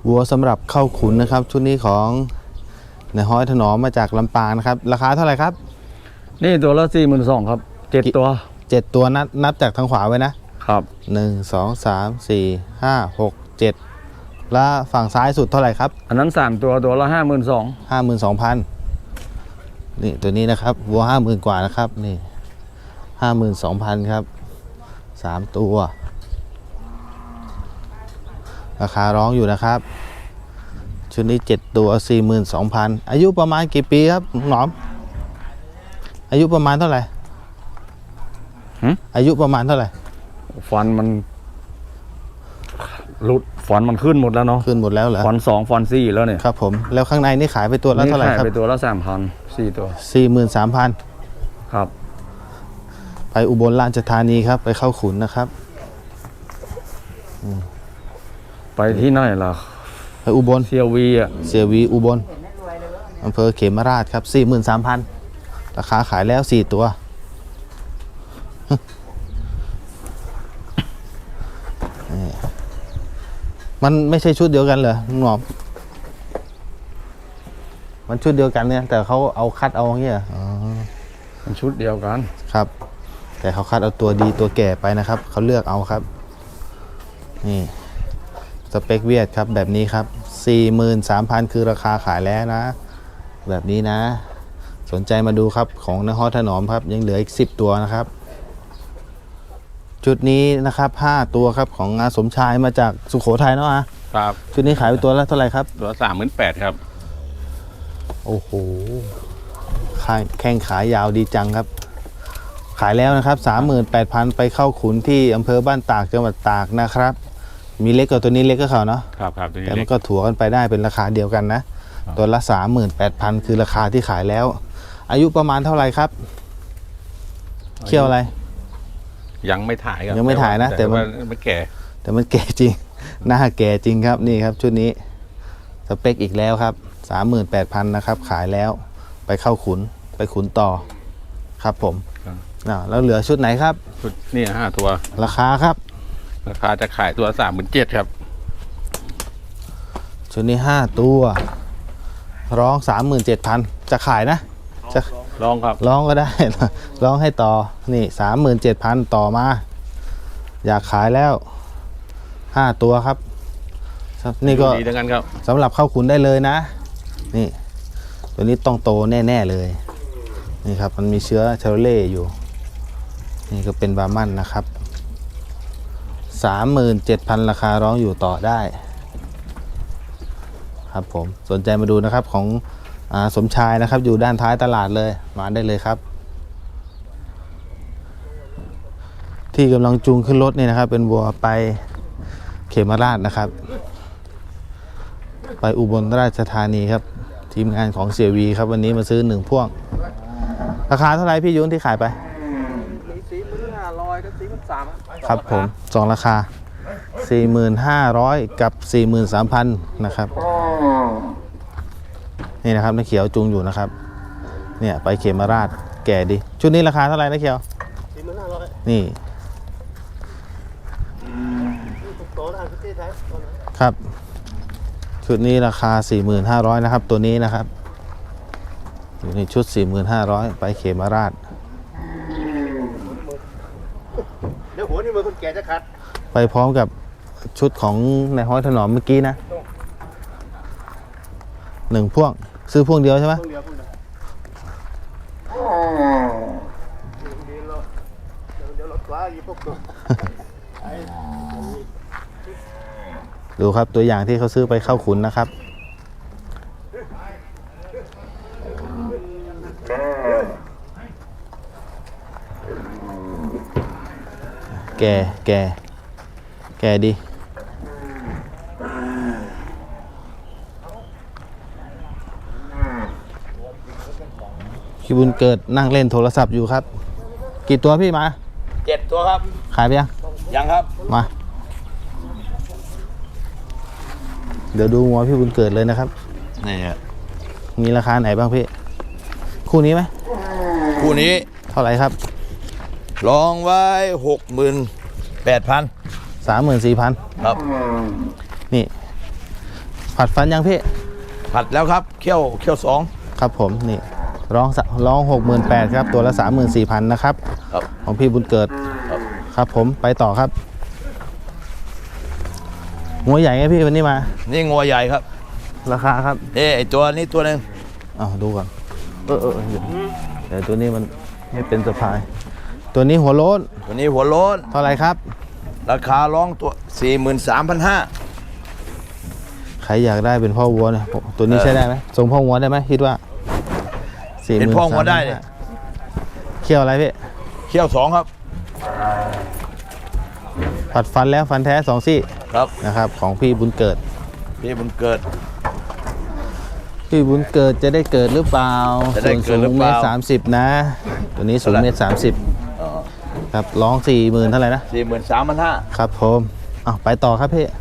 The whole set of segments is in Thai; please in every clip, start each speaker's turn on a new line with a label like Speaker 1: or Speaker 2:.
Speaker 1: วัวสำหรับเข้าขุนนะครับชุดนี้ของนายฮ้อยถนอมมาจากลำปางนะครับราคาเท่าไหร่ครับ
Speaker 2: นี่ตัวละ42,000ครับ7ตัว
Speaker 1: 7ตัวนับจากทางขวาไว้นะครับ1 2 3 4 5 6 7แล้วฝั่งซ้ายสุดเท่าไหร่ครับ
Speaker 2: อันนั้น3ตัวตัวละ52,000
Speaker 1: 52,000นี่ตัวนี้นะครับวัว 50,000 กว่านะครับนี่ 52,000 ครับ3ตัวราคาร้องอยู่นะครับชุดนี้7ตัว 42,000 อายุประมาณกี่ปีครับหนอมอายุประมาณเท่าไหร่อายุประมาณเท่าไหร่
Speaker 2: ฟันมันหลุดฟันมันขึ้นหมดแล้วเนาะ
Speaker 1: ขึ้นหมดแล้วเหรอ
Speaker 2: ฟัน2ฟัน4แล้วเนี่ย
Speaker 1: ครับผมแล้วข้างในนี่ขายไปตัวละเท่าไหร่ครับ
Speaker 2: ขายไปตัวละ3,000 4ตัว
Speaker 1: 43,000
Speaker 2: ครับ
Speaker 1: ไปอุบลราชธานีครับไปเข้าขุนนะครับ
Speaker 2: ไปที่ไหนล่ะ
Speaker 1: ไปอุบล
Speaker 2: เซียวีอ่ะ
Speaker 1: เสียวีอุบลอำเภอเขมราชครับ 43,000 ราคาขายแล้ว4ตัวมันไม่ใช่ชุดเดียวกันเหรอลุงหนอมมันชุดเดียวกันเนี่ยแต่เขาเอาคัดเอาอย่างเงี้ย
Speaker 2: มันชุดเดียวกัน
Speaker 1: ครับแต่เขาคัดเอาตัวดีตัวแก่ไปนะครับเขาเลือกเอาครับนี่สเปคเวียดครับแบบนี้ครับ 43,000 คือราคาขายแล้วนะแบบนี้นะสนใจมาดูครับของนายฮ้อยถนอมครับยังเหลืออีก10ตัวนะครับชุดนี้นะครับ5ตัวครับของอาสมชายมาจากสุโขทัยเนาะ
Speaker 3: ครับ
Speaker 1: ชุดนี้ขายไปตัวละเท่าไหร่ครับ
Speaker 3: ตัว38,000ครับ
Speaker 1: โอ้โหแข้งขายาวดีจังครับขายแล้วนะครับ 38,000 ไปเข้าขุนที่อำเภอบ้านตากจังหวัดตากนะครับมีเล็กกว่าตัวนี้เล็กก็เขาเนาะ
Speaker 3: ครับตัวนี้
Speaker 1: แต่มันก็ถัวกันไปได้เป็นราคาเดียวกันนะตัวละ 38,000 คือราคาที่ขายแล้วอายุประมาณเท่าไหร่ครับเคี่ยวอะไร
Speaker 3: ยังไม่ถ่ายครับ
Speaker 1: ยังไม่ถ่ายนะแต่
Speaker 3: มันแก่
Speaker 1: แต่มันแก่จริงหน้าแก่จริงครับนี่ครับชุดนี้สเปคอีกแล้วครับ 38,000 นะครับขายแล้วไปเข้าขุนไปขุนต่อครับผมแล้วเหลือชุดไหนครับ
Speaker 3: ชุดนี่5ตัว
Speaker 1: ราคาครับ
Speaker 3: ราคาจะขายตัว37,000ครับ
Speaker 1: ชุดนี้5ตัวร้อง 37,000 จะขายนะจะ
Speaker 3: ลองครับ
Speaker 1: ร้องก็ได้ร้องให้ต่อนี่ 37,000 ต่อมาอยากขายแล้ว5ตัวครับนี่ก็
Speaker 3: ดีดังนั้นครับ
Speaker 1: สำหรับเข้าขุนได้เลยนะนี่ตัวนี้ต้องโตแน่ๆเลยนี่ครับมันมีเชื้อชาโรเล่อยู่นี่ก็เป็นบาร์มันนะครับ 37,000 ราคาร้องอยู่ต่อได้ครับผมสนใจมาดูนะครับของสมชายนะครับอยู่ด้านท้ายตลาดเลยมาได้เลยครับที่กำลังจูงขึ้นรถนี่นะครับเป็นวัวไปเขมราชนะครับไปอุบลราชธานีครับทีมงานของเสียวีครับวันนี้มาซื้อ1พ่วงราคาเท่าไหร่พี่ยุ้นที่ขายไป
Speaker 2: 45,000กับ43,000
Speaker 1: ครับผม2ราคา 45,000 กับ 43,000 นะครับนี่นะครับนักเขียวจูงอยู่นะครับเนี่ยไปเขมราชแก่ดีชุดนี้ราคาเท่าไหร่นักเขียว 45,000นี่ครับชุดนี้ราคา 45,000 นะครับตัวนี้นะครับอยู่ในชุด 45,000 ไปเขมราช
Speaker 4: เดี๋ยวหัวนี่มือคนแก่จะคัด
Speaker 1: ไปพร้อมกับชุดของนายฮ้อยถนอมเมื่อกี้นะ1พ่วงซื้อพ่วงเดียวใช่ไหมดูครับตัวอย่างที่เขาซื้อไปเข้าขุนนะครับแก่ดีพี่บุญเกิดนั่งเล่นโทรศัพท์อยู่ครับกี่ตัวพี่มา
Speaker 2: 7ตัวครับ
Speaker 1: ขายไป
Speaker 2: ยังครับ
Speaker 1: มาเดี๋ยวดูงัวพี่บุญเกิดเลยนะครับ
Speaker 3: นี่
Speaker 1: มีราคาไหนบ้างพี่คู่นี้ไหม
Speaker 4: คู่นี้
Speaker 1: เท่าไหร่ครับ
Speaker 4: ลองไว้ 68,000
Speaker 1: 34,000
Speaker 4: ครับ
Speaker 1: นี่ผัดฟันยังพี่
Speaker 4: ผัดแล้วครับเคี่ยวสอง
Speaker 1: ครับผมนี่ร้อง 68,000ครับตัวละ 34,000นะครับ
Speaker 4: ครับ
Speaker 1: ของพี่บุญเกิด
Speaker 4: ครับ
Speaker 1: ครับผมไปต่อครับงัวใหญ่ไงพี่วันนี้มา
Speaker 4: นี่งัวใหญ่ครับ
Speaker 1: ราคาครับ
Speaker 4: ไอตัวนี้ตัวหนึง
Speaker 1: เอาดูก่อนเดี๋ยวตัวนี้มันไม่เป็นสะพาย ตัวนี้หัวโล้น
Speaker 4: ตัวนี้หัวโล้น
Speaker 1: เท่าไหร่ครับ
Speaker 4: ราคาร้องตัว 43,500
Speaker 1: ใครอยากได้เป็นพ่อวัวเนี่ยตัวนี้ใช้ได้ไหมส่งพ่อวัวได้ไหมคิดว่า
Speaker 4: เป็นพ่องัวได้เลย
Speaker 1: เคี่ยวอะไรพี่
Speaker 4: เคี่ยวสองครับ
Speaker 1: ผัดฟันแล้วฟันแท้2 ซี่
Speaker 4: ครับ
Speaker 1: นะครับของพี่บุญเกิด
Speaker 4: พี่บุญเกิด
Speaker 1: พี่บุญเกิดจะได้เกิดหรือเปล่า
Speaker 4: จะได้เกิดหรือเปล่า
Speaker 1: ส่วนสูง1.30 นะ ตัวนี้สูง
Speaker 4: เท่าไหร่
Speaker 1: 1.30 ครับร้อง 40,000เท่าไหร่นะ
Speaker 4: 43,500
Speaker 1: ครับผมเอาไปต่อครับพี่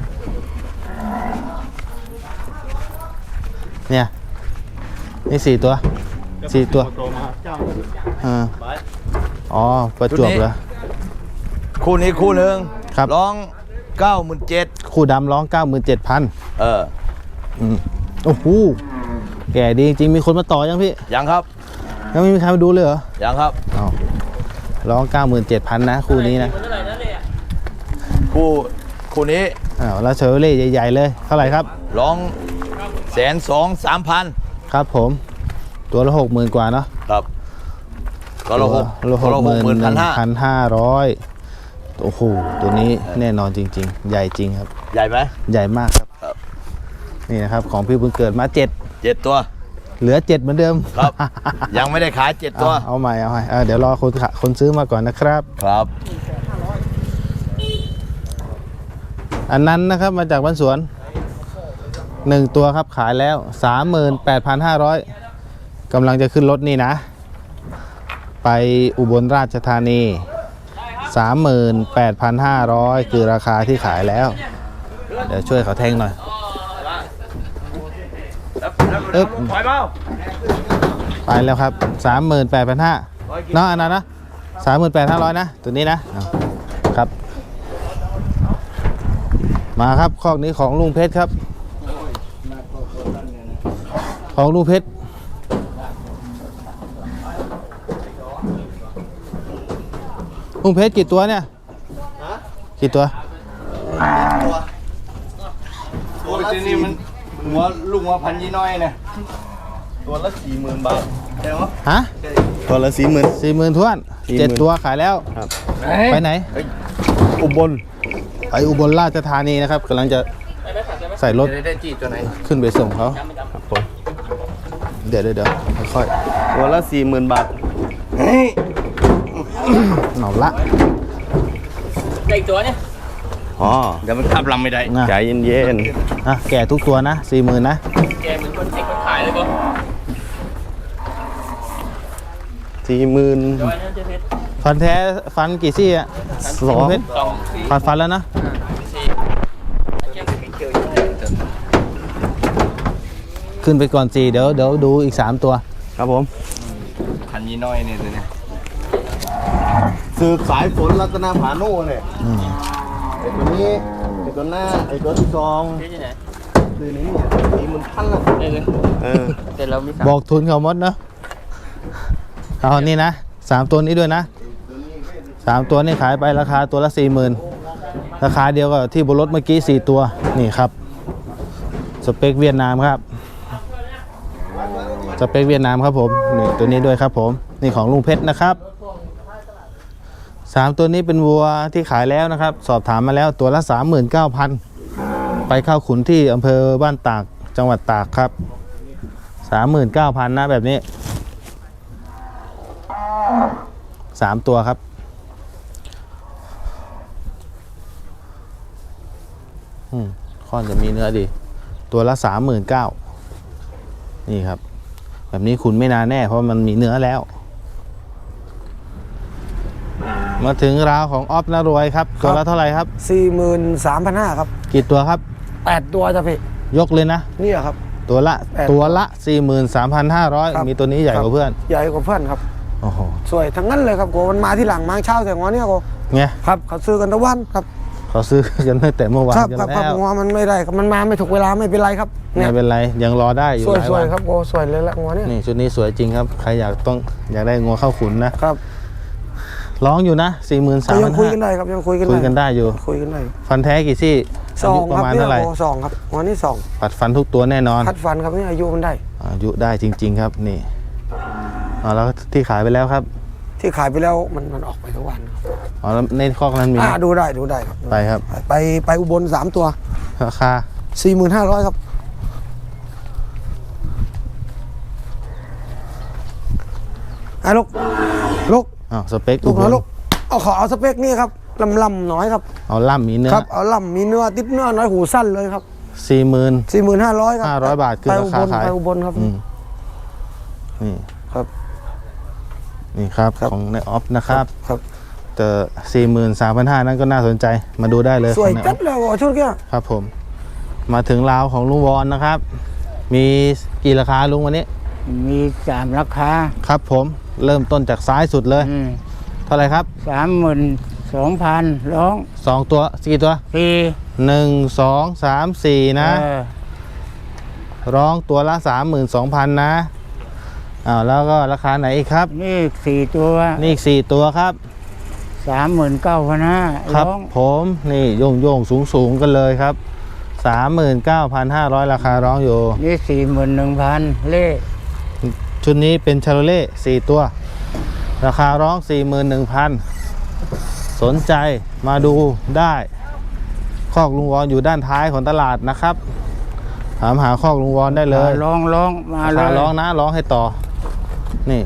Speaker 1: เนี่ยนี่4 ตัวอ่าอ๋อประจวบเหรอ
Speaker 4: คู่นี้คู่หนึ่ง
Speaker 1: ครับ
Speaker 4: ร้อง 97,000
Speaker 1: คู่ดำร้อง 97,000
Speaker 4: เออ
Speaker 1: โอ้โหแก่ดีจริงๆมีคนมาต่อยังพี่
Speaker 4: ยังครับ
Speaker 1: ยังไม่มีใครมาดูเลยเหรอ
Speaker 4: ยังครับ
Speaker 1: อ้าวร้อง 97,000 นะคู่นี้นะ
Speaker 4: คู่นี้
Speaker 1: อ้าวแล้วเชอร์เล่ใหญ่ๆเลยเท่าไหร่ครับ
Speaker 4: ร้อง123,000
Speaker 1: ครับผมตัวละ 60,000 กว่าเนาะ
Speaker 4: ครับก็ละ
Speaker 1: 60,500โอ้โหตัวนี้แน่นอนจริงๆ ใหญ่จริงครับ
Speaker 4: ใหญ่ไหม
Speaker 1: ใหญ่มากครับ
Speaker 4: ครับ
Speaker 1: นี่นะครับของพี่บุญเกิดมา 7
Speaker 4: 7 ตัว
Speaker 1: เหลือ 7 เหมือนเดิม
Speaker 4: ครับ ยังไม่ได้ขาย7 ตัว
Speaker 1: เอาใหม่เดี๋ยวรอคนซื้อมาก่อนนะครับ
Speaker 4: ครับ
Speaker 1: อันนั้นนะครับมาจากบ้านสวน1 ตัวครับขายแล้ว 38,500กำลังจะขึ้นรถนี่นะ ไปอุบลราชธานี 38,500 คือราคาที่ขายแล้ว เดี๋ยวช่วยเขาแทงหน่อยอึ๊บ
Speaker 2: ปล่อยเปล่า
Speaker 1: ไปแล้วครับ 38,500เนาะอันนั้นนะ 38,500 นะ ตัวนี้นะเอาครับ มาครับคอกนี้ของลุงเพชรครับ ของลุงเพชรลุงเพชรกี่ตัวเนี่ยกี่ตัว
Speaker 2: ตัวนี้มันหัวลูกหัวพันยี่น้อยเนี่ยตัวละ 40,000 บาทใช่ไหม
Speaker 1: ฮะ
Speaker 2: ตัวละ 40,000
Speaker 1: 40,000ท้วน 7 ตัวขายแล้ว ไปไหน
Speaker 2: อุบล
Speaker 1: ไปอุบลราชธานีนะครับกำลังจะใส่รถ
Speaker 2: ได้จีตัวไหน
Speaker 1: ขึ้นไปส่งเขาเดี๋ยวค่อย
Speaker 2: ตัวละ 40,000 บาท
Speaker 1: ๆเอาละ
Speaker 5: อีกตัวเนี่ย
Speaker 2: อ๋อเดี๋ยวมันขับลำไม่ได้
Speaker 1: นะ
Speaker 2: ใจเย็น
Speaker 1: อ่ะแก่ทุกตัวนะ 40,000 นะ
Speaker 5: แกเหมือนคนเด็กคนขายเลยก็
Speaker 2: 40,000
Speaker 5: จอยนะเจ๊เพชร
Speaker 1: ฟันแท้ฟันกี่ซี่อ่ะ
Speaker 2: สอง
Speaker 1: เพชร
Speaker 5: 2 4
Speaker 1: ฟันแล้วนะ
Speaker 5: 4แก้มมีเขียวอยู่
Speaker 1: ขึ้นไปก่อน4เดี๋ยวดูอีก 3 ตัว
Speaker 2: ครับผม
Speaker 4: พันยี่น้อยเนี่ยตัวนี้
Speaker 2: สืบสายฝนรัตนาผาโน่เนี่ย
Speaker 1: อืม
Speaker 2: ไอ้ตัวนี้ไอ้ตัวหน้าไอ้ตัวที่สอง
Speaker 5: เจ๊ที่ไหน
Speaker 2: ตัวนี้เนี่ย40,000 ละ
Speaker 5: ได้เลย
Speaker 2: เออ
Speaker 5: แต่เรามี
Speaker 1: บอกทุนเขาหมดเนาะเอานี่นะ 3 ตัวนี้ด้วยนะ 3 ตัวนี่ขายไปราคาตัวละ 40,000 ราคาเดียวกับที่บนรถเมื่อกี้ 4 ตัวนี่ครับสเปคเวียดนามครับสเปคเวียดนามครับผมนี่ตัวนี้ด้วยครับผมนี่ของลุงเพชรนะครับ 3 ตัวนี้เป็นวัวที่ขายแล้วนะครับ สอบถามมาแล้วตัวละ 39,000 ไปเข้าขุนที่อำเภอบ้านตากจังหวัดตากครับ 39,000 นะแบบนี้ 3 ตัวครับค่อนจะมีเนื้อดี ตัวละ 39,000 นี่ครับ แบบนี้คุณไม่นานแน่เพราะมันมีเนื้อแล้ว มาถึงราวของออฟนารวยครับ ตัวละเท่าไหร่ครับ
Speaker 6: 43,500 ครับ
Speaker 1: กี่ตัวครับ
Speaker 6: 8 ตัวจ้ะพี่
Speaker 1: ยกเลยนะ
Speaker 6: เนี่ยครับ
Speaker 1: ตัวละ
Speaker 6: 8
Speaker 1: ตัวละ
Speaker 6: ครับ
Speaker 1: 43,500 มีตัวนี้ใหญ่กว่าเพื่อน
Speaker 6: ใหญ่กว่าเพื่อนครับ
Speaker 1: โอ้โห
Speaker 6: สวยทั้งนั้นเลยครับโกมันมาที่หลังมาเช้าแต่งอเนี่ยโก
Speaker 1: ไง
Speaker 6: ครับเขาซื้อกันตะวันครับ
Speaker 1: เขาซื้อกันตั้งแต่เมื่อวาน
Speaker 6: ครับ
Speaker 1: กัน
Speaker 6: ครับ
Speaker 1: แล้ว
Speaker 6: งัวมันไม่ได้ครับมันมาไม่ถูกเวลาไม่เป็นไรครับเนี่
Speaker 1: ไม่
Speaker 6: ย
Speaker 1: เป็นไรยังรอได้อยู่
Speaker 6: สวย
Speaker 1: หลาย
Speaker 6: สว
Speaker 1: วั
Speaker 6: ย
Speaker 1: น
Speaker 6: ครับโอ้สวยเลยละงัวเนี่ย
Speaker 1: นี่ชุดนี้สวยจริงครับใครอยากได้งัวเข้าขุนนะครับ ร้องอยู่นะ
Speaker 6: ก็ยังคุยกัน
Speaker 1: 43,500
Speaker 6: ได้ครับยังคุยกัน
Speaker 1: คุยกันได้อยู่
Speaker 6: คุยกันได้
Speaker 1: ฟันแท้กี่ซี่
Speaker 6: สอง
Speaker 1: อายุป
Speaker 6: ค
Speaker 1: ระ
Speaker 6: รับ
Speaker 1: มาณ
Speaker 6: เนี่ย
Speaker 1: เท่าไหร่
Speaker 6: โอ้สองครับงัวนี่สอง
Speaker 1: ปัดฟันทุกตัวแน่นอน
Speaker 6: คัดฟันครับนี่อายุมันได้
Speaker 1: อายุได้จริง ๆ ครับนี่แล้วที่ขายไปแล้วครับ
Speaker 6: ที่ขายไปแล้วมันออกไปทุกวันครับ
Speaker 1: แล้วในคอกนั้นมีไหม
Speaker 6: ดูได้ครับ
Speaker 1: ไปครับ
Speaker 6: ไปอุบล3 ตัว
Speaker 1: ราคา
Speaker 6: 45,000ครับลูก
Speaker 1: สเปค
Speaker 6: ลูกน้อยลูกขอเอาสเปคนี่ครับลำน้อยครับ
Speaker 1: เอาล่ำมีเนื้อ
Speaker 6: ครับเอาล่ำมีเนื้อติดเนื้อน้อยหูสั้นเลยครับ
Speaker 1: 40,000
Speaker 6: 45,000ครับ
Speaker 1: 500 บาทคือราคาขาย
Speaker 6: ไปอุบลครับ
Speaker 1: อืมนี่
Speaker 6: ครับ
Speaker 1: นี่ครับ
Speaker 6: ครับ
Speaker 1: ของในออฟนะครับ
Speaker 6: ครับ
Speaker 1: แต่43,500นั้นก็น่าสนใจมาดูได้เลย
Speaker 6: สวย
Speaker 1: ของในอ
Speaker 6: จั
Speaker 1: อ
Speaker 6: ด
Speaker 1: ฟ
Speaker 6: เลยว่ะชุดเนี้ย
Speaker 1: ครับผม มาถึงราวของลุงวอนนะครับ มีกี่ราคาลุงวันนี้
Speaker 7: มี3 ราคา
Speaker 1: ครับผมเริ่มต้นจากซ้ายสุดเลย เท่าไหร่ครับ
Speaker 7: 32,000ร้อง
Speaker 1: 2 ตัวกี่ตัว
Speaker 7: ฟรี
Speaker 1: 1 2 3 4 นะ
Speaker 7: เออ
Speaker 1: ร้องตัวละ 32,000 นะแล้วก็ราคาไหนอีกครับ
Speaker 7: นี่4 ตัว
Speaker 1: นี่อีก4ตัวครับ
Speaker 7: 39,500
Speaker 1: ครับ
Speaker 7: ร้อง
Speaker 1: ผมนี่โยงสูงกันเลยครับ 39,500 ราคาร้องอยู่
Speaker 7: นี่ 41,000เล่
Speaker 1: ชุดนี้เป็นชาโลเล่4 ตัว ราคาร้อง 41,000 สนใจมาดูได้คอกลุงวอนอยู่ด้านท้ายของตลาดนะครับถามหาคอกลุงวอนได้เลย
Speaker 7: ร้องมาเล
Speaker 1: ราย คาร้องนะร้องให้ต่อนี่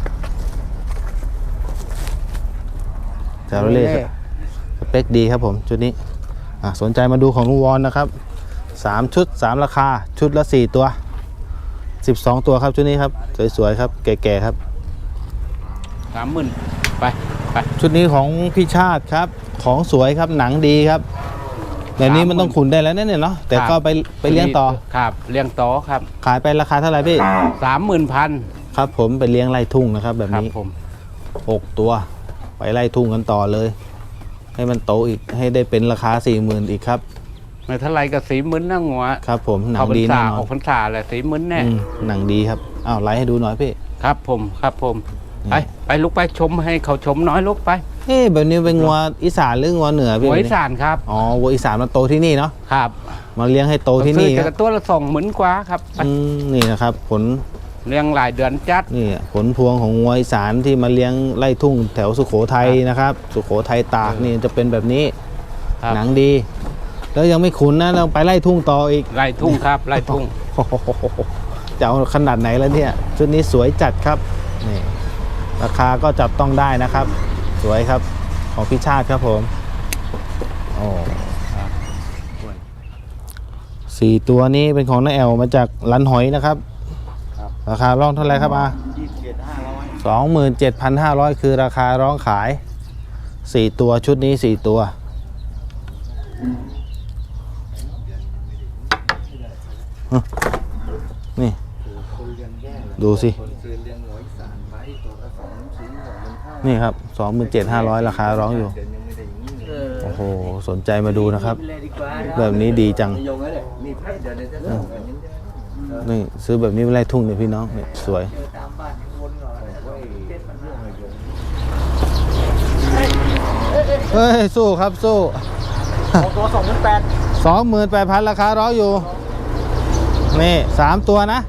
Speaker 1: ชาโลเล่สเปคดีครับผมชุดนี้สนใจมาดูของลุงวอนนะครับ3 ชุด 3 ราคาชุดละ 4 ตัว 12 ตัวครับชุดนี้ครับสวยๆครับแก่ๆครับ
Speaker 3: 30,000ไป
Speaker 1: ชุดนี้ของพี่ชาติครับของสวยครับหนังดีครับแบบนี้มันต้องขุนได้แล้วเนี่ยเนาะแต่ก็ไปเลี้ยงต่อ
Speaker 3: ครับเลี้ยงต่อครับ
Speaker 1: ขายไปราคาเท่าไหร่พี่
Speaker 3: 30,000
Speaker 1: ครับผมไปเลี้ยงไล่ทุ่งนะครับ แบบ
Speaker 3: ครับ
Speaker 1: นี้
Speaker 3: ผม
Speaker 1: 6 ตัว ไปไล่ทุ่งกันต่อเลย ให้มันโตอีกให้ได้เป็นราคา 40,000อีกครับ
Speaker 3: ไม่เท่าไรก็40,000นะงัว
Speaker 1: ครับผมหนั
Speaker 3: เขา
Speaker 1: ง
Speaker 3: พรร
Speaker 1: ดี
Speaker 3: ษา
Speaker 1: แน่นอ
Speaker 3: อน อกพรรษาแหละ40,000แน่
Speaker 1: หนังดีครับอ้าวไล่ให้ดูหน่อยพี่
Speaker 3: ครับผม
Speaker 1: นี่
Speaker 3: ไปลุกไปชมให้เขาชมน้อยลุกไป
Speaker 1: แบบนี้เป็นงัวอีสานหรืองัวเหนือพี่
Speaker 3: หัว
Speaker 1: แบบ
Speaker 3: อี
Speaker 1: นี้
Speaker 3: สานครับ
Speaker 1: อ๋อวัวอีสานมันโตที่นี่เนาะ
Speaker 3: ครับ
Speaker 1: มาเลี้ยงให้โตที่นี่
Speaker 3: ซื้อ
Speaker 1: ค
Speaker 3: แต่
Speaker 1: รับ
Speaker 3: ตัวละ20,000กว่าครับไป
Speaker 1: นี่นะครับผล
Speaker 3: เลี้ยงหลายเดือนจัด
Speaker 1: นี่ผลพวงของงัวอีสานที่มาเลี้ยงไล่ทุ่งแถวสุโขทัยนะครับ สุโขทัยตากนี่จะเป็นแบบนี้
Speaker 3: ครับ
Speaker 1: หนังดี แล้วยังไม่ขุนนะเราไปไล่ทุ่งต่ออีก
Speaker 3: ไล่ทุ่งครับไล่ทุ่ง
Speaker 1: โอ้โหจะเอาขนาดไหนแล้วเนี่ยชุดนี้สวยจัดครับนี่ราคาก็จับต้องได้นะครับ สวยครับของพี่ชาติครับผมโอ้4 ตัวนี้เป็นของน้าแอลมาจากลันหอยนะครับราคาร้องเท่าไหร่ครับ27,500 คือราคาร้องขาย 4 ตัวชุดนี้ 4 ตัวนี่ดูสินี่ครับ 27,500 ราคาร้องอยู่โอ้โหสนใจมาดูนะครับ แบบนี้ดีจังนี่ซื้อแบบนี้ไปไล่ทุ่งเนี่ยพี่น้องเนี่ยสวยเฮ้ยสู้ครับสู้ตัว 28,000 ราคาร้องอยู่นี่3 ตัวนะ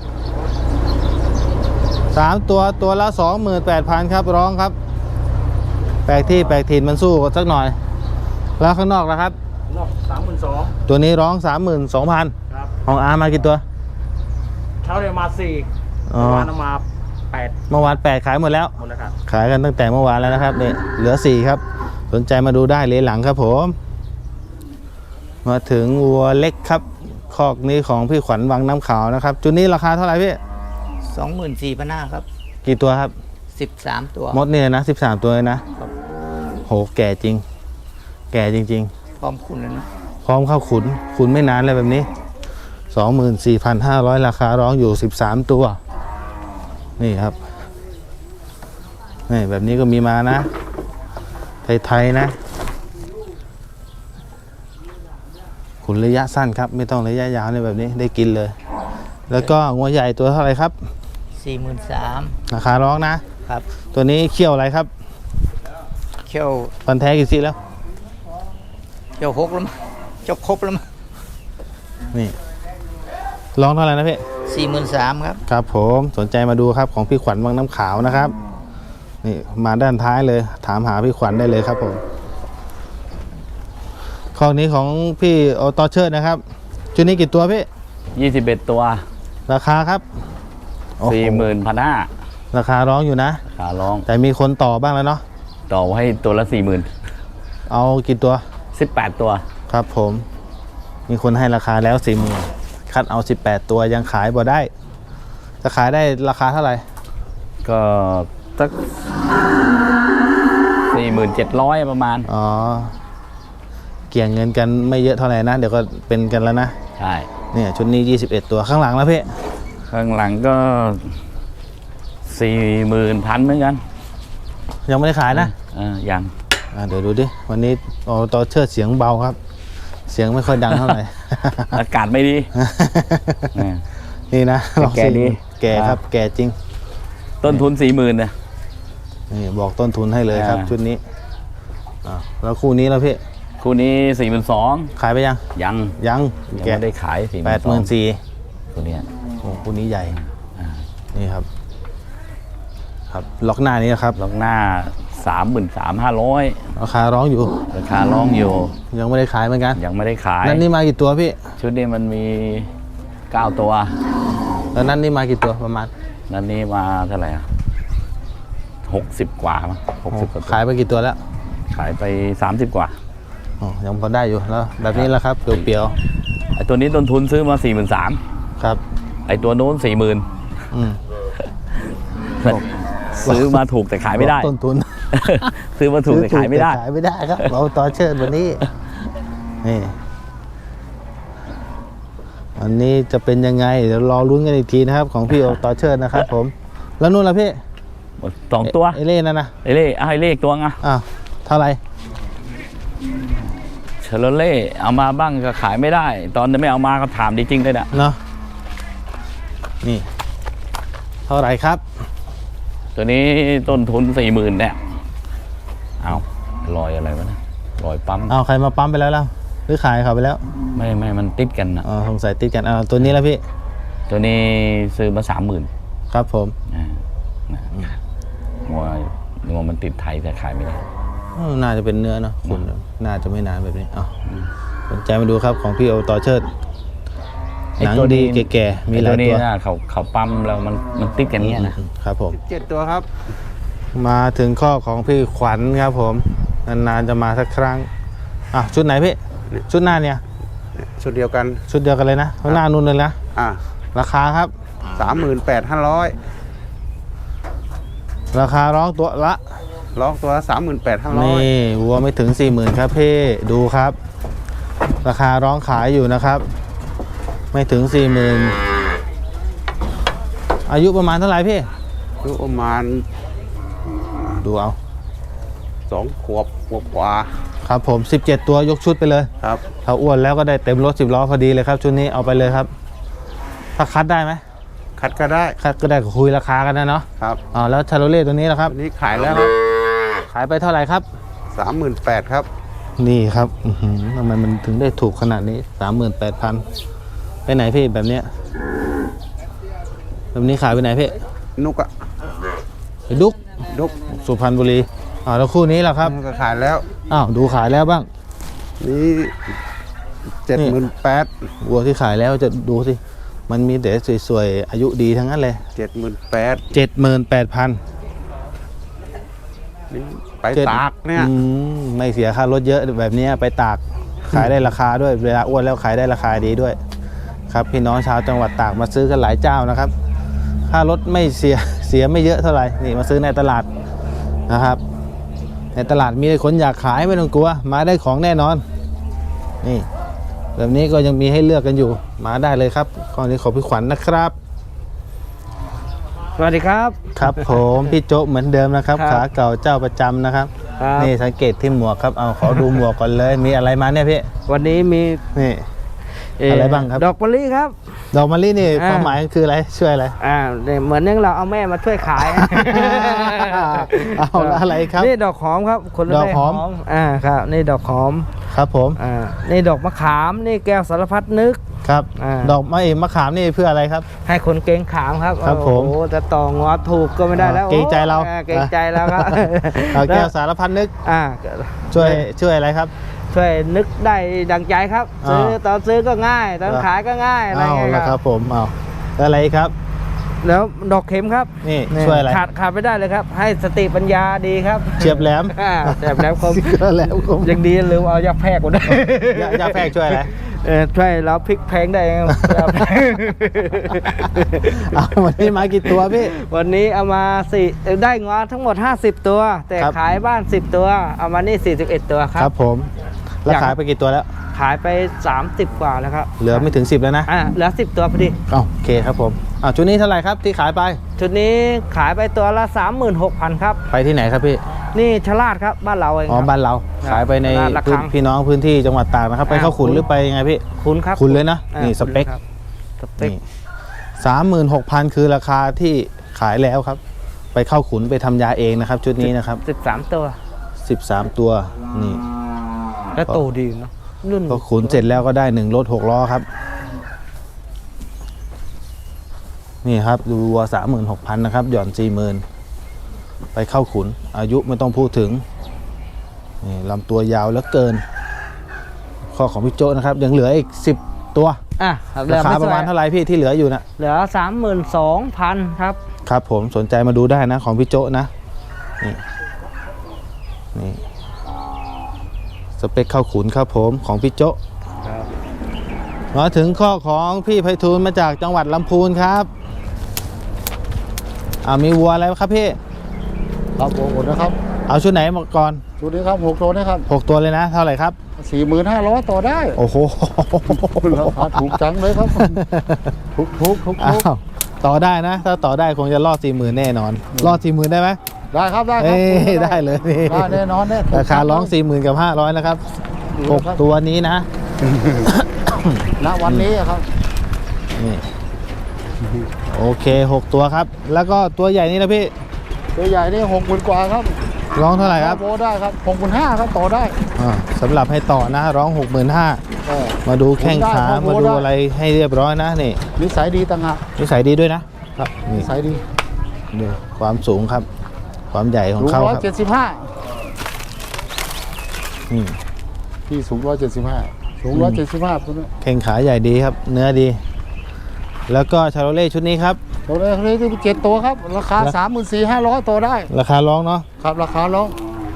Speaker 1: 3 ตัวตัวละ 28,000 ครับร้องครับแปลกที่แปลกถิ่นมันสู้สักหน่อยแล้วข้างนอกนะครับนอก32,000ตัวนี้ร้อง 32,000ครับของอามากี่ตัวเช้าเรียมา4เมื่อวานมา8เมื่อวาน8ขายหมดแล้วครับขายกันตั้งแต่เมื่อวานแล้วนะครับนี่เหลือ4ครับสนใจมาดูได้เลยหลังครับผมมาถึงวัวเล็กครับคอกนี้ของพี่ขวัญวังน้ำขาวนะครับจุดนี้ราคาเท่าไหร่พี่
Speaker 8: 24,500ครับ
Speaker 1: กี่ตัวครับ
Speaker 8: 13 ตัว
Speaker 1: มดเนี่ยนะ13 ตัวเลยนะโหแก่จริง แก่จริง
Speaker 8: พร้อมคุณแล้วนะ
Speaker 1: ๆ พร้อมเข้าขุนไม่นานเลยแบบนี้ 24,500 ราคาร้องอยู่13 ตัวนี่ครับนี่แบบนี้ก็มีมานะไทยๆนะขุนระยะสั้นครับ ไม่ต้องระยะยาวในแบบนี้ได้กินเลย แล้วก็งัวใหญ่ตัวเท่าไหร่ครับ
Speaker 8: 43,000
Speaker 1: ราคาร้องนะ
Speaker 8: ครับ
Speaker 1: ตัวนี้เขี้ยวอะไรครับ
Speaker 8: เขี้ยว
Speaker 1: ฟันแท้กี่ซี่แล้ว
Speaker 8: เขี้ยว6แล้วมั้งจบครบแล้วมั้ง
Speaker 1: นี่ร้องเท่าไหร่นะพี่
Speaker 8: 43,000 ครับ
Speaker 1: ครับผมสนใจมาดูครับของพี่ขวัญวังน้ำขาวนะครับนี่มาด้านท้ายเลยถามหาพี่ขวัญได้เลยครับผมข้อนี้ของพี่โอตอเชิดนะครับชุดนี้กี่ตัวพี่
Speaker 9: 21 ตัว
Speaker 1: ราคาครับโอ้โห
Speaker 9: 41,500
Speaker 1: ราคาร้องอยู่นะ
Speaker 9: ขาร้อง
Speaker 1: แต่มีคนต่อบ้างแล้วเนาะ
Speaker 9: ต่อให้ตัวละ 40,000
Speaker 1: เอากี่ตัว
Speaker 9: 18 ตัว
Speaker 1: ครับผมมีคนให้ราคาแล้ว40,000คัดเอา18ตัวยังขายบ่ได้จะขายได้ราคาเท่าไหร่
Speaker 9: ก็สัก 47,000 ประมาณ
Speaker 1: อ๋อเกี่ยงเงินกันไม่เยอะเท่าไหร่นะเดี๋ยวก็เป็นกันแล้วนะ
Speaker 9: ใช่
Speaker 1: เนี่ยชุดนี้21ตัวข้างหลังแล้วพี่
Speaker 9: ข้างหลังก็ 40,000 เหมือนกัน
Speaker 1: ยังไม่ได้ขายนะ
Speaker 9: ยัง
Speaker 1: เดี๋ยวดูดิวันนี้โอตอเชิดเสียงเบาครับ เสียงไม่ค่อยดังเท่าไหร่
Speaker 9: อากาศไม่ดี เนี่ย
Speaker 1: นี่นะลอง
Speaker 9: แก่ดี
Speaker 1: แก่ครับแก่จริง
Speaker 9: ต้นทุน 40,000เนี่ย
Speaker 1: นี่บอกต้นทุนให้เลยครับ
Speaker 9: อ่า
Speaker 1: ชุดนี้แล้วคู่นี้แล้วพี่
Speaker 9: คู่นี้ 42,000
Speaker 1: ขายไปยัง
Speaker 9: ยัง
Speaker 1: ยัง
Speaker 9: ยัง
Speaker 1: แกะ
Speaker 9: ไม่ได้ขาย
Speaker 1: 84,000
Speaker 9: ตัวเนี้ย
Speaker 1: โอ้คู่นี้ใหญ่นี่ครับ ครับล็อกหน้านี้นะครับ
Speaker 9: ล็อกหน้า 33,500
Speaker 1: ราคาร้องอยู่
Speaker 9: ราคาร้องอยู่
Speaker 1: ยังไม่ได้ขายเหมือนกัน
Speaker 9: ยังไม่ได้ขาย
Speaker 1: นั่นนี่มากี่ตัวพี่
Speaker 9: ชุดนี้มันมี 9 ตัว
Speaker 1: แล้วนั่นนี่มากี่ตัวประมาณ
Speaker 9: นั่นนี่มาเท่าไหร่อ่ะ60 กว่ามั้ง60 กว่าตัว
Speaker 1: ขายไปกี่ตัวแล้ว
Speaker 9: ขายไป 30 กว่า
Speaker 1: อ๋อยังพอได้อยู่แล้วแบบนี้แหละครับเปรียว
Speaker 9: ไอตัวนี้ต้นทุนซื้อมา
Speaker 1: ๆครับ
Speaker 9: 43,000ไอตัวโน้น 40,000
Speaker 1: อืม
Speaker 9: ซื้อมาถูกแต่ขายไม่ได้
Speaker 1: ต้นทุน
Speaker 9: ซื้อมาถูกแต่ขายไม่ได้
Speaker 1: ขายไม่ได้ครับเราต่อเชิญวันนี้นี่วันนี้จะเป็นยังไงเดี๋ยวรอลุ้นกันอีกทีนะครับของพี่โอต่อเชิญนะครับผมแล้วนู่นล่ะพี่
Speaker 9: 2 ตัว
Speaker 1: เอเล่นั่นนะ
Speaker 9: ไอเล่ไอเล่อีกตัวอ่ะ
Speaker 1: อ้าวเท่าไหร่
Speaker 9: เชลเล่เอามาบ้างก็ขายไม่ได้ ตอนไม่เอามาก็ถามดีจริงเลยนะ
Speaker 1: เนาะนี่เท่าไหร่ครับ
Speaker 9: ตัวนี้ต้นทุน 40,000เนี่ยเอารอยอะไรวะนะรอยปั๊ม
Speaker 1: เอาใครมาปั๊มไปแล้วล่ะหรือขายเขาไปแล้ว
Speaker 9: ไม่มันติดกันนะ
Speaker 1: อ๋อสงสัยติดกันตัวนี้แล้วพี่
Speaker 9: ตัวนี้ซื้อมา 30,000
Speaker 1: ครับผม
Speaker 9: งัวมันติดไทยแต่ขายไม่ได้
Speaker 1: น่าจะเป็นเนื้อเนาะคุณน่าจะไม่นานแบบนี้สนใจมาดูครับของพี่โอต่อเชิดหนังดีแก่ๆมีหลาย
Speaker 9: ไอ้
Speaker 1: ตัว
Speaker 9: นี้นะเขาปั๊มแล้วมันติดกันเนี้ยนะครับ
Speaker 1: ผม
Speaker 2: 7 ตัวครับ
Speaker 1: มาถึงข้อของพี่ขวัญครับผมนานๆจะมาสักครั้งชุดไหนพี่ชุดหน้าเนี่ย
Speaker 2: ชุดเดียวกัน
Speaker 1: ชุดเดียวกันเลยนะหน้านู่นเลยนะ ราคาครับ
Speaker 2: 38,500
Speaker 1: ราคาร้องตัวละ
Speaker 2: ร้องตัวละ38,500
Speaker 1: นี่วัวไม่ถึง 40,000ครับพี่ดูครับ ราคาร้องขายอยู่นะครับ ไม่ถึง 40,000อายุประมาณเท่าไหร่พี่
Speaker 2: คือประมาณ
Speaker 1: ดูเอา
Speaker 2: 2 ขวบกว่า
Speaker 1: ครับผม17ตัวยกชุดไปเลย
Speaker 2: ครับ
Speaker 1: ถ้าอ้วนแล้วก็ได้เต็มรถ10ล้อพอดีเลยครับชุดนี้เอาไปเลยครับ ถ้าคัดได้ไหม
Speaker 2: คัดก็ได้
Speaker 1: คัดก็ได้ก็คุยราคากันนะเนาะ
Speaker 2: ครับ
Speaker 1: แล้วชาโรเล่ตัวนี้ล่ะครับ
Speaker 2: อันนี้ขายแล้วครับ
Speaker 1: ขายไปเท่าไหร่ครับ
Speaker 2: 38,000ครับ
Speaker 1: นี่ครับทำไมมันถึงได้ถูกขนาดนี้ 38,000ไปไหนพี่แบบเนี้ยแบบนี้ขายไปไหนพี่
Speaker 2: นุกอะ
Speaker 1: ไปดุก
Speaker 2: นุก
Speaker 1: สุพรรณบุรีแล้วคู่นี้ล่ะครับ
Speaker 2: ก็ขายแล้ว
Speaker 1: ดูขายแล้วบ้าง
Speaker 2: นี่78,000
Speaker 1: วัวที่ขายแล้วจะดูสิมันมีแต่สวยๆอายุดีทั้งนั้นเลย
Speaker 2: 78,000
Speaker 1: 78,000
Speaker 2: นี่ไปตากเนี่ย
Speaker 1: ไม่เสียค่ารถเยอะแบบนี้ไปตากขายได้ราคาด้วยเวลาอ้วนแล้วขายได้ราคาดีด้วย ครับพี่น้องชาวจังหวัดตากมาซื้อกันหลายเจ้านะครับค่ารถไม่เสียไม่เยอะเท่าไหร่นี่มาซื้อในตลาดนะครับ ในตลาดมีคนอยากขายไม่ต้องกลัวมาได้ของแน่นอนนี่แบบนี้ก็ยังมีให้เลือกกันอยู่มาได้เลยครับข้อนี้ขอพี่ขวัญนะครับ
Speaker 6: สวัสดีครับ
Speaker 1: ครับผมพี่โจ๊กเหมือนเดิมนะครับ
Speaker 6: ครับ
Speaker 1: ขาเก่าเจ้าประจำนะครับ
Speaker 6: ครับ
Speaker 1: นี่สังเกตที่หมวกครับเอาขอดูหมวกก่อนเลยมีอะไรมาเนี่ยพี่
Speaker 6: วันนี้มี
Speaker 1: นี่อะไรบ้างครับ
Speaker 6: ดอกมะลิครับ
Speaker 1: ดอกมะลินี่
Speaker 6: อ่า
Speaker 1: ความหมายคืออะไรช่วยอะไร
Speaker 6: เนี่ยเหมือนอย่างเราเอาแม่มาช่วยขาย
Speaker 1: เอาแล้วอะไรครับ
Speaker 6: นี่ดอกหอมครับคนละ
Speaker 1: ดอกหอม
Speaker 6: ครับนี่ดอกหอม
Speaker 1: ครับผม
Speaker 6: นี่ดอกมะขามนี่แก้วสารพัดนึก
Speaker 1: ครับ
Speaker 6: อ่า
Speaker 1: ดอกมะขามนี่เพื่ออะไรครับ
Speaker 6: ให้คนเก่งขามครับ
Speaker 1: ครับผม
Speaker 6: โอ้โหจะต่องอถูกก็ไม่ได้แล้ว
Speaker 1: เกรงใจเรา
Speaker 6: เกรงใจแล้วครับ
Speaker 1: เอาแก้วสารพัดนึก
Speaker 6: อ่า
Speaker 1: ช่วยอะไรครับ
Speaker 6: ช่วยนึกได้ดังใจครับ
Speaker 1: อ่า
Speaker 6: ตอนซื้อก็ง่ายตอนขายก็ง่ายอะไร
Speaker 1: เอา
Speaker 6: เงี้ย
Speaker 1: ละค
Speaker 6: ค
Speaker 1: รั
Speaker 6: รั
Speaker 1: บบ ผมเอาแล้วอะไรครับ
Speaker 6: แล้วดอกเข็มครับ
Speaker 1: นี่ช่วยอะไร
Speaker 6: ขาดไม่ได้เลยครับ ให้สติปัญญาดีครับ
Speaker 1: เฉียบแหลม
Speaker 6: แสบแล้วคม
Speaker 1: ก็แล้วคม
Speaker 6: ยังดีลืมเอายาแพรกมาด้วย
Speaker 1: ยาแพรกช่วยอะไร
Speaker 6: ช่วยเราพลิกแพงได้ครับ
Speaker 1: เอาวันนี้มากี่ตัวพี่
Speaker 6: วันนี้เอามาได้งอทั้งหมด 50 ตัว แต่
Speaker 1: ครับ
Speaker 6: ขายบ้าน 10 ตัว เอามานี่41 ตัวค
Speaker 1: ค
Speaker 6: รั
Speaker 1: รับ บผมแล้วขายไปกี่ตัวแล้ว
Speaker 6: ขายไป 30 กว่าแล้วครับ
Speaker 1: เหลือไม่ถึง10แล้วนะ
Speaker 6: เหลือ10 ตัวพอดี
Speaker 1: โอเคครับผมชุดนี้เท่าไหร่ครับที่ขายไป
Speaker 6: ชุดนี้ขายไปตัวละ 36,000 ครับ
Speaker 1: ไปที่ไหนครับพี่
Speaker 6: นี่ชลาดครับบ้านเราเอง
Speaker 1: อ๋อ
Speaker 6: ครับ
Speaker 1: บ้านเราขายไปใน
Speaker 6: ราคา
Speaker 1: พี่น้องพื้นที่จังหวัดตากนะครับไปเข้าขุน
Speaker 6: ขุน
Speaker 1: หรือไปยังไงพี่
Speaker 6: คุณครับ
Speaker 1: ขุนเลยนะ นี่สเปค
Speaker 6: ครับสเปค
Speaker 1: นี่36,000คือราคาที่ขายแล้วครับ ไปเข้าขุนไปทำยาเองนะครับ ชุดนี้นะครับ
Speaker 6: 13 ตัว
Speaker 1: 13 ตัวนี่
Speaker 6: แล้วโตดีเนาะรุ่น
Speaker 1: พอขุนเสร็จแล้วก็ได้1รถ6ล้อครับ นี่ครับดูวัว36,000นะครับหย่อน 40,000ไปเข้าขุนอายุไม่ต้องพูดถึงนี่ลำตัวยาวเหลือเกิน ข้อของพี่โจ้นะครับยังเหลืออีก10 ตัว ราคาประมาณเท่าไหร่พี่ที่เหลืออยู่นะ
Speaker 6: เหลือ 32,000 ครับ
Speaker 1: ครับผมสนใจมาดูได้นะของพี่โจ้นะนี่สเปคเข้าขุนครับผมของพี่โจ้มาถึงข้อของพี่ไพฑูรย์มาจากจังหวัดลำพูนครับมีวัวอะไรครับพี่
Speaker 2: ครับผมหมดนะครับ
Speaker 1: เอาชุดไหนมาก่อน
Speaker 2: ชุดนี้ครับ6ตัวนะครับ
Speaker 1: 6 ตัวเลยนะ เท่าไหร่ครับ
Speaker 2: 45,000ต่อได้
Speaker 1: โอ้โห
Speaker 2: ราคาถูกจังเลยครับ ทุก
Speaker 1: อ้าวต่อได้นะ ถ้าต่อได้คงจะรอด 40,000 แน่นอน รอด 40,000 ได้ไหม
Speaker 2: ได้ครับได้ครั
Speaker 1: เอ้ยได้เลยนี่
Speaker 2: ได้แน่นอนแน่
Speaker 1: ราคาร้อง 40,000 กับ 500 นะครับ 6 ตัวนี้นะ
Speaker 2: ณวันนี้อะครับ
Speaker 1: นี่โอเค 6 ตัวครับ แล้วก็ตัวใหญ่นี่นะพี่
Speaker 2: ตัวใหญ่นี่60,000กว่าครับ
Speaker 1: ร้องเท่าไหร่ครับ
Speaker 2: โบได้ครับ65,000ครับต่อได้
Speaker 1: สำหรับให้ต่อนะ ร้อง 65,000
Speaker 2: เออ
Speaker 1: มาดูแข้งขา
Speaker 2: ผมได้
Speaker 1: มาดูอะไรให้เรียบร้อยนะนี่
Speaker 2: นิสัยดีต่างหาก
Speaker 1: นิสัยดีด้วยนะครับ
Speaker 2: นิ
Speaker 1: นี่
Speaker 2: สัยดี
Speaker 1: ดูความสูงครับ ความใหญ่ของ
Speaker 2: สูง
Speaker 1: เขาครับ
Speaker 2: 175
Speaker 1: อืม
Speaker 2: พี่สูง175สูง175คนนี้
Speaker 1: แข้งขาใหญ่ดีครับ เนื้อดี แล้วก็ชาโรเล่ชุดนี้ครับ
Speaker 2: ตัวนี้ที่7ตัวครับ ราคา 34,500ต่อได้
Speaker 1: ราคาร้องเนาะ
Speaker 2: ครับราคาร้อง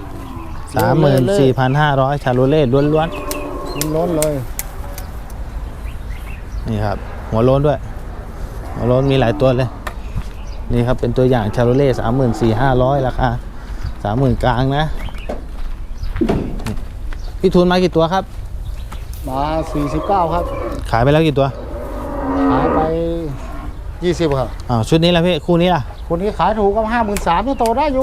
Speaker 1: 34,500 ชาโรเล่ล้วน
Speaker 2: ล้นเลย
Speaker 1: ๆนี่ครับ หัวโล้นด้วย หัวโล้นมีหลายตัวเลย นี่ครับเป็นตัวอย่างชาโรเล่34,500 ราคา 30,000 กลางนะนี่พี่ทุนมากี่ตัวครับ
Speaker 2: มา49ครับ
Speaker 1: ขายไปแล้วกี่ตัว
Speaker 2: ขายไป20ครับ
Speaker 1: ชุดนี้ละพี่คู่นี้ล่ะ
Speaker 2: คนนี้ขายถูกก็53,000นี่โตได้อยู่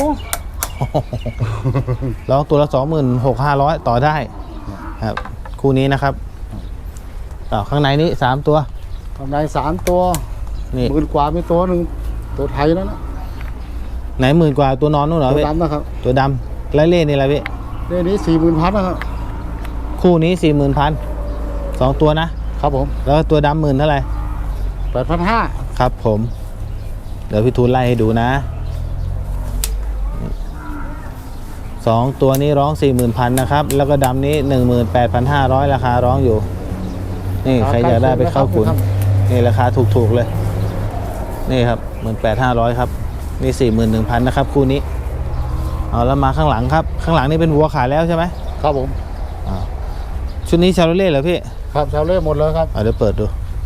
Speaker 1: ร้องตัวละ 26,500 ต่อได้ครับคู่นี้นะครับข้างในนี้3 ตัว
Speaker 2: กำไร3ตัว
Speaker 1: นี่
Speaker 2: 10,000กว่ามีตัวหนึ่งตัวไทยแล้วนะ
Speaker 1: ไหน10,000 กว่าตัวนอนนู่นเหรอ
Speaker 2: ตัว
Speaker 1: พี่
Speaker 2: ดำนะครับ
Speaker 1: ตัวดำและเล่นี่อะไรพี่
Speaker 2: เรื่องนี้40,000นะครับ
Speaker 1: คู่นี้ 40,000 2 ตัวนะ
Speaker 2: ครับผม
Speaker 1: แล้วตัวดำ10,000 เท่าไหร่
Speaker 2: 8,500
Speaker 1: ครับผม เดี๋ยวพี่ทูลไล่ให้ดูนะ2 ตัวนี้ร้อง 40,000 นะครับ แล้วก็ดำนี้ 18,500 ราคาร้องอยู่ นี่ใครอยากได้ไปเข้าขุนนี่ราคาถูกๆเลย นี่ครับ 18,500 ครับนี่ 41,000 นะครับคู่นี้เอาแล้วมาข้างหลังครับ ข้างหลังนี่เป็นวัวขายแล้วใช่ไหม
Speaker 2: ครับผม
Speaker 1: ชุดนี้ชาโรเล่เหรอพี่
Speaker 2: ครับชาวเล่หมดเลยครับ
Speaker 1: เดี๋ยวเปิดดู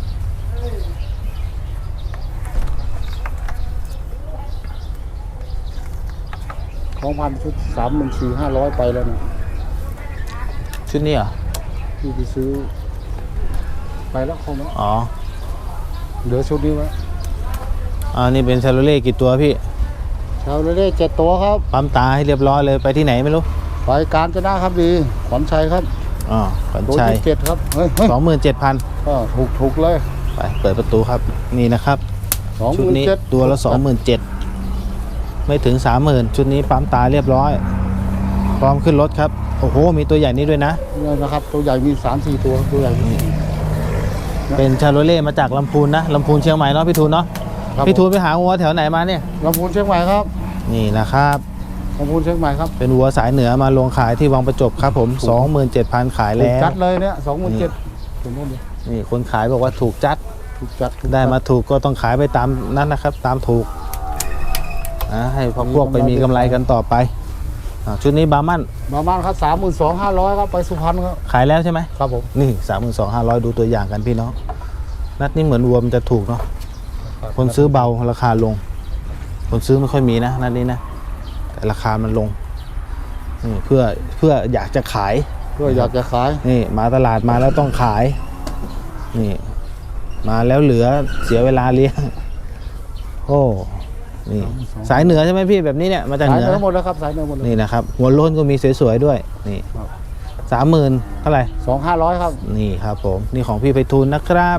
Speaker 2: ของพันชุด34,500ไปแล้วนะ
Speaker 1: ชุดนี้เหรอ
Speaker 2: ที่ไปซื้อไปแล้วคงแล้ว
Speaker 1: อ๋อ
Speaker 2: เหลือชุดนี้ไว้
Speaker 1: นี่เป็นชาโรเล่กี่ตัวพี่
Speaker 2: ชาวเล่7ตัวครับ
Speaker 1: ปั๊มตาให้เรียบร้อยเลยไปที่ไหนไม่รู้
Speaker 2: ไปการจะนะครับดีขวัญชัยครับ
Speaker 1: ขวัญ
Speaker 2: ตัว
Speaker 1: ชัย
Speaker 2: ที่7ครับเฮ้ย
Speaker 1: 27,000
Speaker 2: ก็ถูกเลย
Speaker 1: ไปเปิดประตูครับนี่นะครับชุดนี้ตัวละ 27,000ไม่ถึง 30,000ชุดนี้ปั๊มตาเรียบร้อยพร้อมขึ้นรถครับโอ้โหมีตัวใหญ่นี้ด้วยนะ
Speaker 2: นี่นะครับ ตัวใหญ่มี 3-4 ตัวตัวใหญ่
Speaker 1: เป็นชาโรเล่มาจากลำพูนนะลำพูนเชียงใหม่เนาะพี่ทูนเนาะพี่ทูนไปหาวัวแถวไหนมาเนี่ย
Speaker 2: ลำพูนเชียงใหม่ครับ
Speaker 1: นี่นะครับ
Speaker 2: ลำพูนเชียงใหม่ครับ
Speaker 1: เป็นวัวสายเหนือมาลงขายที่วังประจบครับผม 27,000 ขาย
Speaker 2: ถู
Speaker 1: แล้
Speaker 2: ก
Speaker 1: ว
Speaker 2: จัดเลยเนี่ย27,000ผมว่าดี
Speaker 1: นี่คนขายบอกว่าถูกจัด
Speaker 2: ถูกจัด
Speaker 1: ได้มาถูกก็ต้องขายไปตามนั้นนะครับตามถูกนะให้พวกไปมีกำไรกันต่อไปชุดนี้บาร์มัน
Speaker 2: มาบ้านครับ32,500ครับไปสุพรรณครับ
Speaker 1: ขายแล้วใช่ไหม
Speaker 2: ครับผม
Speaker 1: นี่ 32,500 ดูตัวอย่างกันพี่น้องนัดนี้เหมือนวัวมันจะถูกเนาะคนซื้อเบาราคาลง คนซื้อไม่ค่อยมีนะนัดนี้นะแต่ราคามันลงนี่เพื่ออยากจะขาย
Speaker 2: เพื่ออยากจะขาย
Speaker 1: นี่มาตลาดมาแล้วต้องขายนี่มาแล้วเหลือเสียเวลาเลี้ยงโอ้นี่สายเหนือใช่ไหมพี่แบบนี้เนี่ยมาจาก
Speaker 2: สา
Speaker 1: เห
Speaker 2: ย
Speaker 1: นือ
Speaker 2: เนื้อหมดแล้วครับสายเนื้อหมดเลย
Speaker 1: นี่นะครับหัวโล้นก็มีสวยๆด้วยนี่
Speaker 2: ครับ
Speaker 1: 30,000เท่าไหร่
Speaker 2: 2,500ครับ
Speaker 1: นี่ครับผมนี่ของพี่ไพฑูรย์นะครับ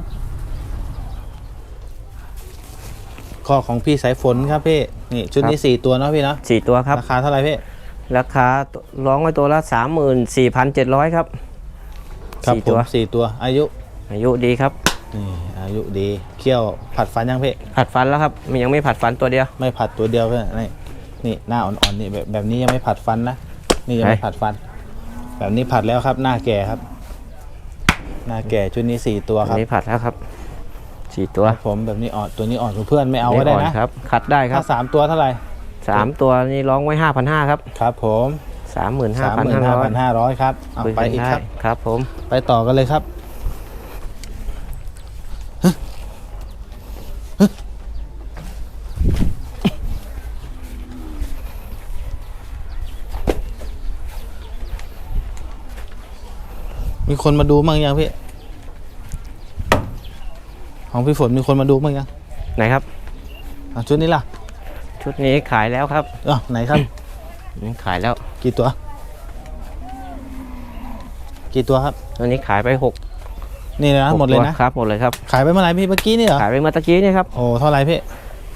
Speaker 1: ข้อของพี่สายฝนครับพี่นี่ชุดนี้4ตัวเนาะพี่เนาะ
Speaker 5: 4 ตัวครับ
Speaker 1: ราคาเท่าไหร่พี่
Speaker 5: ราคาร้องไว้ตัวละ 34,700 ครับ
Speaker 1: ครับ
Speaker 5: 4
Speaker 1: ผ
Speaker 5: ตัว
Speaker 1: ม4ตัวอายุ
Speaker 5: อายุดีครับ
Speaker 1: นี่อายุดีเคี่ยวผัดฟันยังพี่
Speaker 5: ผัดฟันแล้วครับมันยังไม่ผัดฟันตัวเดียว
Speaker 1: ไม่ผัดตัวเดียวเพื่อนนี่หน้าอ่อนๆนี่แบบนี้ยังไม่ผัดฟันนะนี่ยังไม่ผัดฟัน แบบนี้ผัดแล้วครับหน้าแก่ครับ หน้าแก่ชุดนี้4ตัวค
Speaker 5: อั
Speaker 1: รับ
Speaker 5: นนี้ผัดแล้วครับ 4 ตัว
Speaker 1: ครับผมแบบนี้อ่อนตัวนี้อ่อนกว่าเพื่อนไม่เอาก็ได้
Speaker 5: อ่
Speaker 1: นะ
Speaker 5: ครับคัดได้ครั
Speaker 1: ถ้า
Speaker 5: บ
Speaker 1: 3ตัวเท่าไหร่
Speaker 5: 3 ตัวนี้ร้องไว้ 5,500 ครับ
Speaker 1: ครับผม
Speaker 5: 35,500
Speaker 1: 35,500ครับเอาไปอีกครับ
Speaker 5: ครับผม
Speaker 1: ไปต่อกันเลยครับมีคนมาดูมั้งยังพี่ของพี่ฝนมีคนมาดูมั้งยัง
Speaker 5: ไหนครับ
Speaker 1: ชุดนี้ล่ะ
Speaker 5: ชุดนี้ขายแล้วครับ
Speaker 1: ไหนครับ
Speaker 5: ขายแล้ว
Speaker 1: กี่ตัวครับ
Speaker 5: ตัวนี้ขายไป6
Speaker 1: นี่นะหมดเลยนะครับ
Speaker 5: หมดเลยครับ
Speaker 1: ขายไปเมื่อไหร่พี่เมื่อกี้นี่เหรอ
Speaker 5: ขายไปเมื่อตะกี้นี่ครับ
Speaker 1: โอ้เท่าไหร่พี่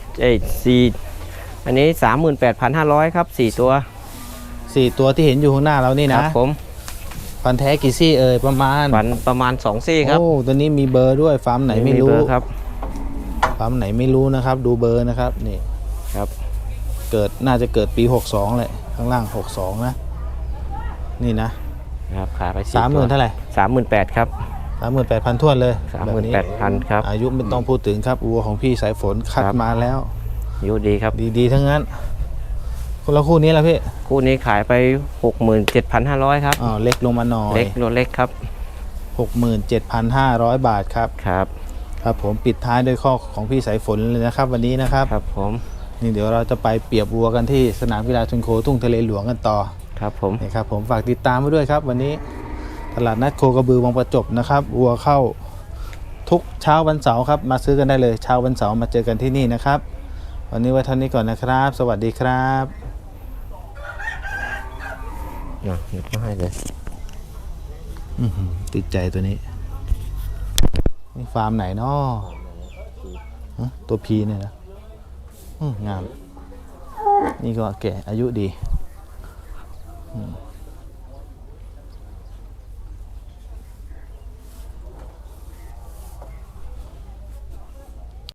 Speaker 5: อันนี้ 38,500 ครับ 4 ตัว
Speaker 1: 4ตัวที่เห็นอยู่ข้างหน้าเรานี่
Speaker 5: ค
Speaker 1: นะ
Speaker 5: รับผม
Speaker 1: ฟันแท้กี่ซี่ประมาณ
Speaker 5: ฟันประมาณ2 ซี่ครับ
Speaker 1: โอ้ตัวนี้มีเบอร์ด้วยฟาร์มไหนไม่รู้
Speaker 5: เบอครับ
Speaker 1: ฟาร์มไหนไม่รู้นะครับ ดูเบอร์นะครับนี่
Speaker 5: ครับ
Speaker 1: น่าจะเกิดปี62เลยข้างล่าง62นะนี่นะครับ
Speaker 5: ขายไป
Speaker 1: 30,000เท่าไหร่
Speaker 5: 38,000 ครับ
Speaker 1: 38,000ท้วนเลยแบบนี้
Speaker 5: 38,000 ครับ
Speaker 1: อายุไม่ต้องพูดถึงครับวัวของพี่สายฝนคัด
Speaker 5: ครับ
Speaker 1: มาแล้ว
Speaker 5: อายุดีครับ
Speaker 1: ดีๆทั้งนั้นคนละคู่นี้ละพี่
Speaker 5: คู่นี้ขายไป 67,500 ครับ
Speaker 1: เล็กลงมาหน่อย
Speaker 5: เล็กรถเล็กครับ
Speaker 1: 67,500 บาทครับ
Speaker 5: ครับ
Speaker 1: ครับผมปิดท้ายด้วยข้อของพี่สายฝนเลยนะครับวันนี้นะครับ
Speaker 5: ครับผม
Speaker 1: นี่เดี๋ยวเราจะไปเปรียบวัวกันที่สนามกีฬาชนโคทุ่งทะเลหลวงกันต่อ
Speaker 5: ครับผม
Speaker 1: นี่ครับผมฝากติดตามไว้ด้วยครับ วันนี้ตลาดนัดโคกระบือวังประจบนะครับวัวเข้าทุกเช้าวันเสาร์ครับมาซื้อกันได้เลยเช้าวันเสาร์มาเจอกันที่นี่นะครับ วันนี้ไว้เท่านี้ก่อนนะครับ สวัสดีครับ
Speaker 5: หยิบมาให้เลย
Speaker 1: ติดใจตัวนี้นี่ฟาร์มไหนเนาะตัวพีเนี่ยนะงาม นี่ก็แก่อายุดี